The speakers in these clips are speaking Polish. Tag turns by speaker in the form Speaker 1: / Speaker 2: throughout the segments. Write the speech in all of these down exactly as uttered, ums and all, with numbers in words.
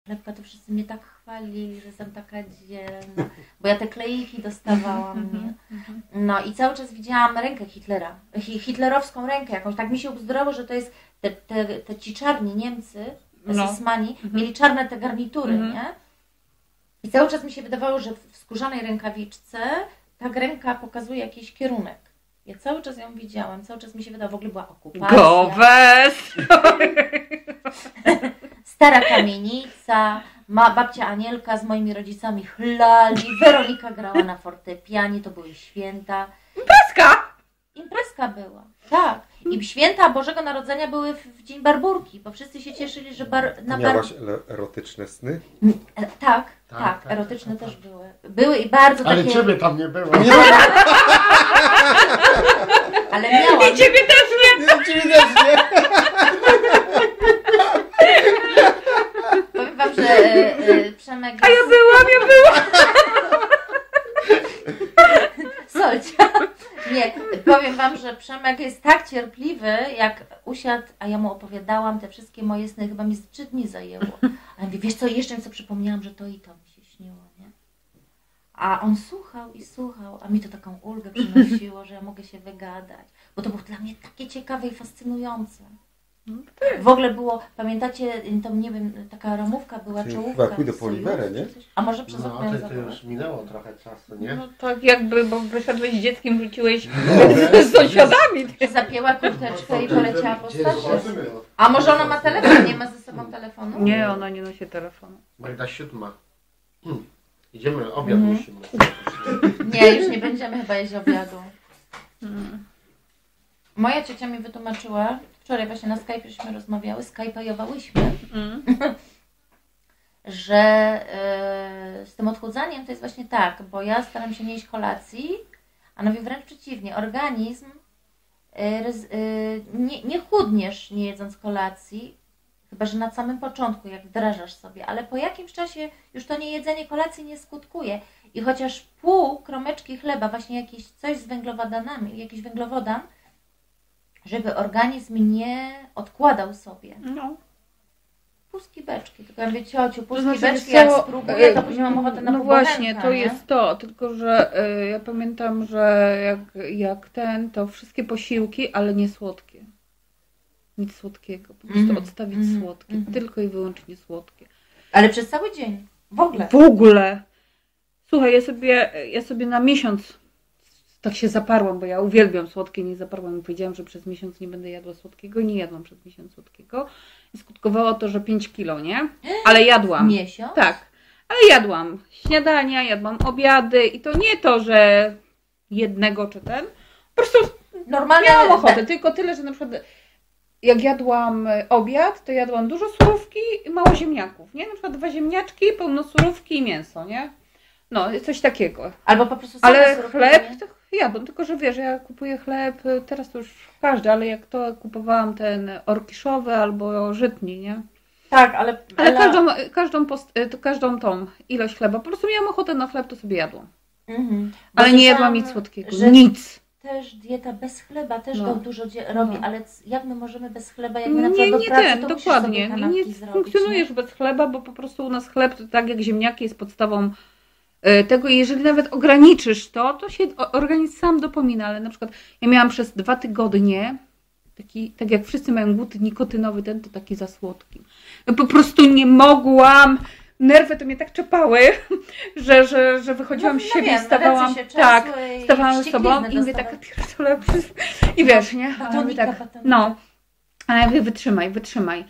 Speaker 1: chlebka, to wszyscy mnie tak chwalili, że jestem taka dzielna, bo ja te kleiki dostawałam. Nie? No i cały czas widziałam rękę Hitlera, hitlerowską rękę jakąś, tak mi się ubzdurało, że to jest te, te, te ci czarni Niemcy, esesmani, no. mieli czarne te garnitury, mhm. nie? I cały czas mi się wydawało, że w skórzanej rękawiczce ta ręka pokazuje jakiś kierunek. Ja cały czas ją widziałam, cały czas mi się wydawało, w ogóle była okupacja.
Speaker 2: Gowes!
Speaker 1: Stara kamienica, ma babcia Anielka z moimi rodzicami chlali, Weronika grała na fortepianie, to były święta.
Speaker 2: Imprezka!
Speaker 1: Imprezka była, tak. I święta Bożego Narodzenia były w, w dzień Barburki, bo wszyscy się cieszyli, że bar, na
Speaker 3: Miałaś bar... erotyczne sny?
Speaker 1: E, tak, tak, tak,
Speaker 4: tak,
Speaker 1: erotyczne
Speaker 4: tak,
Speaker 1: też tak. były. Były i bardzo
Speaker 4: Ale
Speaker 1: takie...
Speaker 4: ciebie tam nie było.
Speaker 3: Nie.
Speaker 1: Ale miałam.
Speaker 2: I ciebie też nie!
Speaker 3: Nie, ciebie też nie!
Speaker 1: Powiem wam, że e, e, Przemek...
Speaker 2: A ja byłam, ja byłam!
Speaker 1: Solcia. Nie, powiem wam, że Przemek jest tak cierpliwy, jak usiadł, a ja mu opowiadałam te wszystkie moje sny, chyba mi z trzy dni zajęło. A ja mówię, wiesz co, jeszcze mi co przypomniałam, że to i to mi się śniło, nie? A on słuchał i słuchał, a mi to taką ulgę przynosiło, że ja mogę się wygadać, bo to było dla mnie takie ciekawe i fascynujące. W ogóle było, pamiętacie, to nie wiem, taka ramówka była,
Speaker 3: Czyli
Speaker 1: czołówka.
Speaker 3: chyba pójdę po Oliwerę, nie?
Speaker 1: A może przez
Speaker 4: No,
Speaker 1: okno
Speaker 4: to, to już minęło trochę czasu, nie?
Speaker 2: No tak jakby, bo wyszedłeś z dzieckiem, wróciłeś z sąsiadami.
Speaker 1: Zapięła kurteczkę i poleciała po stasie. A może ona ma telefon, nie ma ze sobą telefonu?
Speaker 2: Nie, ona nie nosi telefonu.
Speaker 4: Magda siódma. Hmm. Idziemy, obiad
Speaker 1: Mhm.
Speaker 4: musimy.
Speaker 1: Nie, już nie będziemy chyba jeść obiadu.
Speaker 2: Hmm.
Speaker 1: Moja ciocia mi wytłumaczyła, wczoraj właśnie na Skype'śmy rozmawiały, skype'owałyśmy,
Speaker 2: Mm.
Speaker 1: że yy, z tym odchudzaniem to jest właśnie tak, bo ja staram się nie jeść kolacji, a nawet wręcz przeciwnie, organizm yy, yy, nie, nie chudniesz nie jedząc kolacji, chyba że na samym początku, jak wdrażasz sobie, ale po jakimś czasie już to niejedzenie kolacji nie skutkuje i chociaż pół kromeczki chleba, właśnie jakieś coś z węglowodanami, jakiś węglowodan, żeby organizm nie odkładał sobie.
Speaker 2: No.
Speaker 1: Puski beczki, tylko ja mówię, ciociu, puski
Speaker 2: znaczy,
Speaker 1: beczki,
Speaker 2: co,
Speaker 1: jak spróbuję, to później mam ochotę na
Speaker 2: No
Speaker 1: półbochenka,
Speaker 2: właśnie, to
Speaker 1: nie?
Speaker 2: jest to, tylko że y, ja pamiętam, że jak, jak ten, to wszystkie posiłki, ale nie słodkie. Nic słodkiego, po prostu
Speaker 1: Mhm,
Speaker 2: odstawić
Speaker 1: mhm,
Speaker 2: słodkie,
Speaker 1: mhm.
Speaker 2: tylko i wyłącznie słodkie.
Speaker 1: Ale przez cały dzień, w ogóle.
Speaker 2: W ogóle! Słuchaj, ja sobie, ja sobie na miesiąc tak się zaparłam, bo ja uwielbiam słodkie, nie zaparłam i powiedziałam, że przez miesiąc nie będę jadła słodkiego, nie jadłam przez miesiąc słodkiego i skutkowało to, że pięć kilo, nie? Ale jadłam.
Speaker 1: Miesiąc?
Speaker 2: Tak, ale jadłam śniadania, jadłam obiady i to nie to, że jednego czy ten, po prostu
Speaker 1: Normalnie
Speaker 2: miałam ochotę, tylko tyle, że na przykład jak jadłam obiad, to jadłam dużo surówki i mało ziemniaków, nie? Na przykład dwa ziemniaczki, pełno surówki i mięso, nie? No, coś takiego.
Speaker 1: Albo po prostu same
Speaker 2: Ale
Speaker 1: surówki,
Speaker 2: chleb
Speaker 1: nie?
Speaker 2: to jadłam, tylko że wiesz, ja kupuję chleb, teraz to już każdy, ale jak to kupowałam ten orkiszowy albo żytni, nie?
Speaker 1: Tak, ale...
Speaker 2: Ale każdą, każdą, post, to każdą tą ilość chleba, po prostu miałam ochotę na chleb, to sobie jadłam.
Speaker 1: Mhm.
Speaker 2: Ale
Speaker 1: Bo
Speaker 2: nie jadłam
Speaker 1: słyszałam,
Speaker 2: nic słodkiego,
Speaker 1: że
Speaker 2: nic.
Speaker 1: Też dieta bez chleba też
Speaker 2: No.
Speaker 1: go dużo dzie- robi,
Speaker 2: No.
Speaker 1: ale c- jak my możemy bez chleba, jak my na
Speaker 2: Nie,
Speaker 1: przykład
Speaker 2: nie
Speaker 1: do pracy,
Speaker 2: ten,
Speaker 1: to musisz
Speaker 2: dokładnie.
Speaker 1: sobie
Speaker 2: Nie,
Speaker 1: kanapki
Speaker 2: nie
Speaker 1: zrobić,
Speaker 2: funkcjonujesz
Speaker 1: nie?
Speaker 2: bez chleba, bo po prostu u nas chleb, to tak jak ziemniaki, jest podstawą y, tego i jeżeli nawet ograniczysz to, to się o- organizm sam dopomina, ale na przykład ja miałam przez dwa tygodnie taki, tak jak wszyscy mają głód nikotynowy, ten to taki za słodki. Ja po prostu nie mogłam, nerwy to mnie tak czepały, że, że, że wychodziłam z siebie
Speaker 1: wiem,
Speaker 2: i stawałam,
Speaker 1: ręce się
Speaker 2: tak,
Speaker 1: trzęsły i
Speaker 2: stawałam z sobą
Speaker 1: wścieklizny
Speaker 2: i mówię
Speaker 1: dostawały.
Speaker 2: taka pierdolę, i wiesz, nie? A ja mówię
Speaker 1: Batonika,
Speaker 2: tak,
Speaker 1: batonika.
Speaker 2: no. A ja mówię, wytrzymaj, wytrzymaj.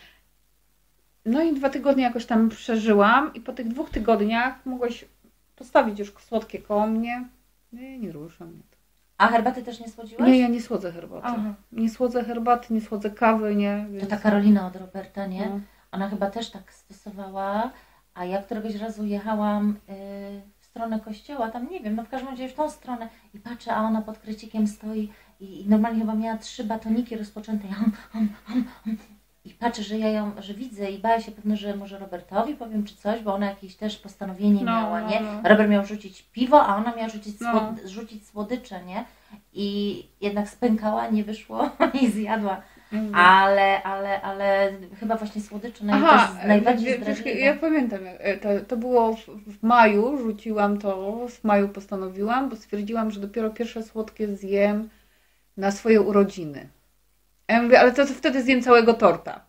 Speaker 2: No i dwa tygodnie jakoś tam przeżyłam i po tych dwóch tygodniach mogłaś postawić już słodkie koło mnie. Nie, nie rusza mnie to.
Speaker 1: A herbaty też nie słodziłaś?
Speaker 2: Nie, ja nie słodzę herbaty.
Speaker 1: Aha.
Speaker 2: Nie słodzę herbaty, nie słodzę kawy, nie.
Speaker 1: To
Speaker 2: Więc...
Speaker 1: ta Karolina od Roberta, nie?
Speaker 2: No.
Speaker 1: Ona chyba też tak stosowała, a ja któregoś razu jechałam y, w stronę kościoła, tam nie wiem, no w każdym razie w tą stronę i patrzę, a ona pod krycikiem stoi i, i normalnie chyba miała trzy batoniki rozpoczęte. Ja, hum, hum, hum, hum. I patrzę, że ja ją, że widzę i bała się pewno, że może Robertowi powiem czy coś, bo ona jakieś też postanowienie
Speaker 2: No,
Speaker 1: miała,
Speaker 2: no,
Speaker 1: nie?
Speaker 2: no.
Speaker 1: Robert miał rzucić piwo, a ona miała rzucić,
Speaker 2: No.
Speaker 1: słod, rzucić słodycze, nie? I jednak spękała, nie wyszło i zjadła.
Speaker 2: Mhm.
Speaker 1: Ale, ale, ale chyba właśnie słodycze naj,
Speaker 2: Aha,
Speaker 1: też najbardziej
Speaker 2: wie- wiesz,
Speaker 1: zdradliwe.
Speaker 2: ja pamiętam, jak- to, to było w, w maju, rzuciłam to, w maju postanowiłam, bo stwierdziłam, że dopiero pierwsze słodkie zjem na swoje urodziny. A ja mówię, ale to, to wtedy zjem całego torta.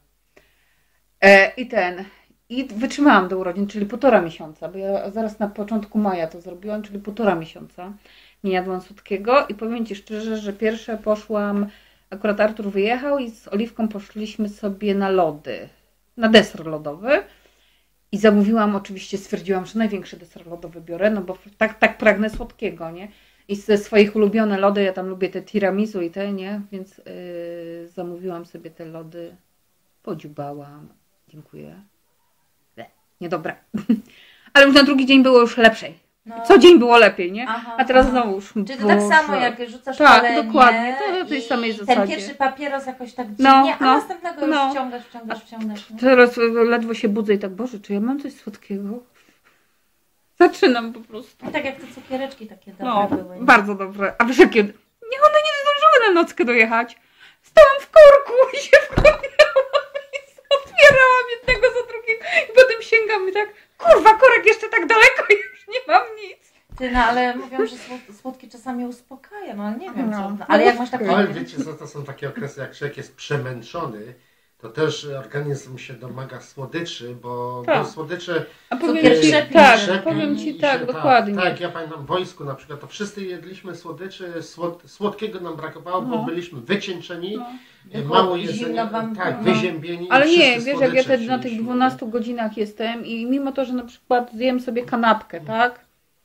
Speaker 2: E, I ten, i wytrzymałam do urodzin, czyli półtora miesiąca, bo ja zaraz na początku maja to zrobiłam, czyli półtora miesiąca nie jadłam słodkiego i powiem Ci szczerze, że pierwsze poszłam, akurat Artur wyjechał i z Oliwką poszliśmy sobie na lody, na deser lodowy i zamówiłam, oczywiście stwierdziłam, że największy deser lodowy biorę, no bo tak, tak pragnę słodkiego, nie? I ze swoich ulubione lody, ja tam lubię te tiramisu i te, nie? Więc yy, zamówiłam sobie te lody, podziubałam, dziękuję. Nie, niedobra. Ale już na drugi dzień było już lepszej.
Speaker 1: No.
Speaker 2: Co dzień było lepiej, nie?
Speaker 1: Aha,
Speaker 2: A teraz
Speaker 1: aha.
Speaker 2: znowu już.
Speaker 1: Czy to tak
Speaker 2: Boże.
Speaker 1: samo jak rzucasz
Speaker 2: Tak,
Speaker 1: palenie
Speaker 2: dokładnie, to na tej
Speaker 1: i
Speaker 2: samej
Speaker 1: ten
Speaker 2: zasadzie.
Speaker 1: pierwszy papieros jakoś tak
Speaker 2: No,
Speaker 1: dziwnie, a
Speaker 2: no,
Speaker 1: następnego już
Speaker 2: no.
Speaker 1: wciągasz, wciągasz, wciągasz. Nie?
Speaker 2: Teraz ledwo się budzę i tak, Boże, czy ja mam coś słodkiego? Zaczynam po prostu.
Speaker 1: No tak jak te cukiereczki takie dobre
Speaker 2: No,
Speaker 1: były. nie?
Speaker 2: bardzo dobre. A wiesz jakie? Nie, one nie zdążyły na nockę dojechać. Stałam w korku i się wkurwiałam i otwierałam jednego za drugiego i potem sięgam i tak, kurwa, korek jeszcze tak daleko i już nie mam nic.
Speaker 1: Ty, no ale mówią, że słod- słodkie czasami uspokaja, no ale nie wiem
Speaker 2: No.
Speaker 1: co. No, ale jak masz takie...
Speaker 4: Ale wiecie co, to są takie okresy, jak człowiek jest przemęczony, to też organizm się domaga słodyczy, bo,
Speaker 2: Tak.
Speaker 4: bo słodycze...
Speaker 2: A powiem
Speaker 1: Cukier
Speaker 2: ci,
Speaker 1: krzepi,
Speaker 2: tak,
Speaker 4: krzepi
Speaker 2: powiem
Speaker 4: i
Speaker 2: ci
Speaker 4: się-
Speaker 2: tak, dokładnie.
Speaker 4: Tak, ja pamiętam w wojsku na przykład, to wszyscy jedliśmy słodyczy, słod, słodkiego nam brakowało, bo
Speaker 2: No.
Speaker 4: byliśmy wycieńczeni,
Speaker 2: No.
Speaker 4: e, mało
Speaker 1: Zimno
Speaker 4: jedzenia,
Speaker 1: wam
Speaker 4: tak,
Speaker 1: było.
Speaker 4: wyziębieni.
Speaker 2: Ale
Speaker 4: i
Speaker 2: nie,
Speaker 4: wszyscy
Speaker 2: wiesz, jak ja
Speaker 4: słodycze
Speaker 2: te, na tych
Speaker 4: chcieliśmy.
Speaker 2: dwunastu godzinach jestem i mimo to, że na przykład zjem sobie kanapkę, tak?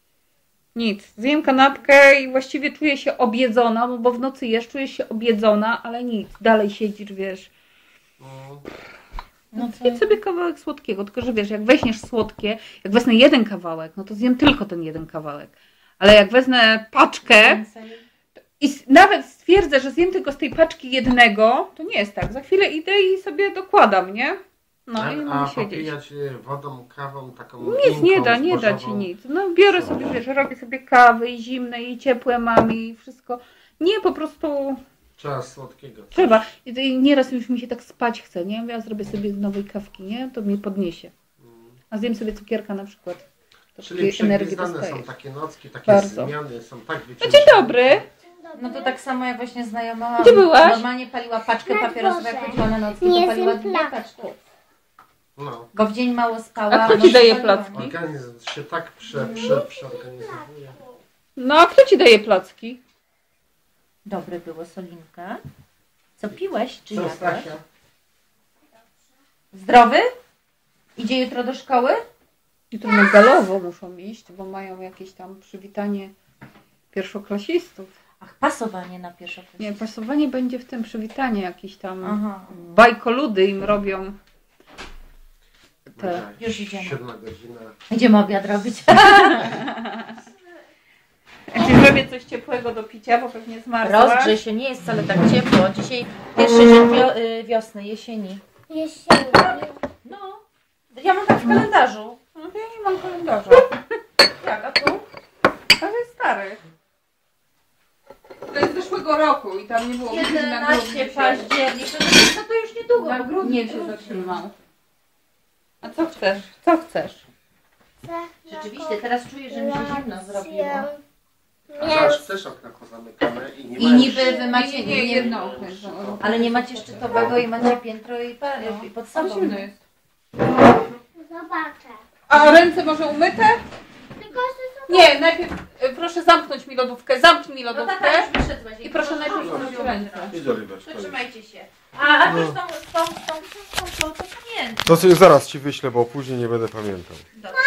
Speaker 2: Nic. Zjem kanapkę i właściwie czuję się objedzona, bo w nocy jesz, czuję się objedzona, ale nic. Dalej siedzisz, wiesz.
Speaker 4: No.
Speaker 1: No co?
Speaker 2: Zjedz sobie kawałek słodkiego, tylko że wiesz, jak weźmiesz słodkie, jak wezmę jeden kawałek, no to zjem tylko ten jeden kawałek. Ale jak wezmę paczkę
Speaker 1: Więcej.
Speaker 2: i s- nawet stwierdzę, że zjem tylko z tej paczki jednego, to nie jest tak. Za chwilę idę i sobie dokładam, nie? No
Speaker 4: a,
Speaker 2: i
Speaker 4: a
Speaker 2: mogę siedzieć.
Speaker 4: popijać e, wodą, kawą taką
Speaker 2: Nic nie
Speaker 4: inką,
Speaker 2: da, nie da ci
Speaker 4: zbożową.
Speaker 2: nic. No biorę sobie, wiesz, robię sobie kawy i zimne i ciepłe mam i wszystko. Nie, po prostu
Speaker 4: Trzeba słodkiego.
Speaker 2: trzeba. I to- i nieraz już mi się tak spać chce, nie? Ja zrobię sobie nowej kawki, nie? To mnie podniesie.
Speaker 4: Mm.
Speaker 2: A zjem sobie cukierka na przykład. To
Speaker 4: Czyli
Speaker 2: takiej energii
Speaker 4: przegwizdane
Speaker 2: dostaję.
Speaker 4: są takie nocki, takie
Speaker 2: Bardzo.
Speaker 4: zmiany, są tak
Speaker 2: No
Speaker 4: wycieńczone.
Speaker 2: dzień dobry.
Speaker 1: No to tak samo jak właśnie znajoma
Speaker 2: Gdzie byłaś?
Speaker 1: normalnie paliła paczkę
Speaker 5: Na
Speaker 1: papierosów, jak
Speaker 5: dworze.
Speaker 1: chodziła na nocki,
Speaker 5: Nie
Speaker 1: to paliła
Speaker 5: zjem
Speaker 1: dwie
Speaker 5: placków.
Speaker 1: paczki.
Speaker 4: No.
Speaker 1: Bo w dzień mało spała.
Speaker 2: A kto
Speaker 1: w
Speaker 2: ci
Speaker 1: nocy
Speaker 2: daje
Speaker 1: paliła,
Speaker 2: placki?
Speaker 1: nie?
Speaker 4: Organizm się tak prze, prze, przeorganizowuje.
Speaker 2: No a kto ci daje placki?
Speaker 1: Dobre było, Solinka. Co piłeś, czy
Speaker 4: Co,
Speaker 1: jadłeś?
Speaker 4: Stasia?
Speaker 1: Zdrowy? Idzie jutro do szkoły?
Speaker 2: Jutro na galowo muszą iść, bo mają jakieś tam przywitanie pierwszoklasistów.
Speaker 1: Ach, pasowanie na pierwszą klasę.
Speaker 2: Nie, pasowanie będzie w tym przywitanie jakieś tam
Speaker 1: Aha.
Speaker 2: bajkoludy im robią. Te.
Speaker 4: Dobra,
Speaker 1: Już idziemy.
Speaker 4: Siódma godzina.
Speaker 1: Idziemy obiad robić.
Speaker 2: Czy zrobię coś ciepłego do picia, bo pewnie zmarzłaś.
Speaker 1: Rozgrzej się, nie jest wcale tak ciepło. Dzisiaj pierwszy dzień wio- y, wiosny, jesieni.
Speaker 5: Jesieni.
Speaker 1: No, ja mam tak w kalendarzu.
Speaker 2: No to ja nie mam kalendarza.
Speaker 1: Tak, a tu?
Speaker 2: Ale jest stary. To jest z zeszłego roku i tam nie było godzin na
Speaker 1: jedenaście
Speaker 2: grudniu się-
Speaker 1: październik. No to już niedługo.
Speaker 2: Na grudniu
Speaker 1: Nie
Speaker 2: się
Speaker 1: wróci.
Speaker 2: zatrzymał. A co chcesz? Co chcesz?
Speaker 1: Rzeczywiście, teraz czuję, że mi się zimno zrobiło.
Speaker 4: A zaraz też okna pozamykane i nie
Speaker 1: I
Speaker 4: ma
Speaker 1: niby
Speaker 4: już-
Speaker 1: wy macie,
Speaker 2: Nie, nie,
Speaker 1: nie,
Speaker 2: jedno okno jest zamknięte.
Speaker 1: ale nie macie szczytowego i macie piętro i, pa- i pod
Speaker 2: Ale
Speaker 1: sobą.
Speaker 2: zimno jest.
Speaker 5: Zobaczę.
Speaker 2: A ręce może umyte?
Speaker 5: Tylko, że
Speaker 2: Nie, najpierw y, proszę zamknąć mi lodówkę. Zamknij mi
Speaker 1: No
Speaker 2: lodówkę.
Speaker 1: tata, już wyszedłeś.
Speaker 2: I proszę najpierw
Speaker 1: No,
Speaker 2: umyć ręce.
Speaker 3: Idź Oliweczka.
Speaker 1: To trzymajcie się. A, a też tą, z tą, z tą książką, to pamiętam.
Speaker 3: To sobie zaraz ci wyślę, bo później nie będę pamiętał.
Speaker 1: Dobrze.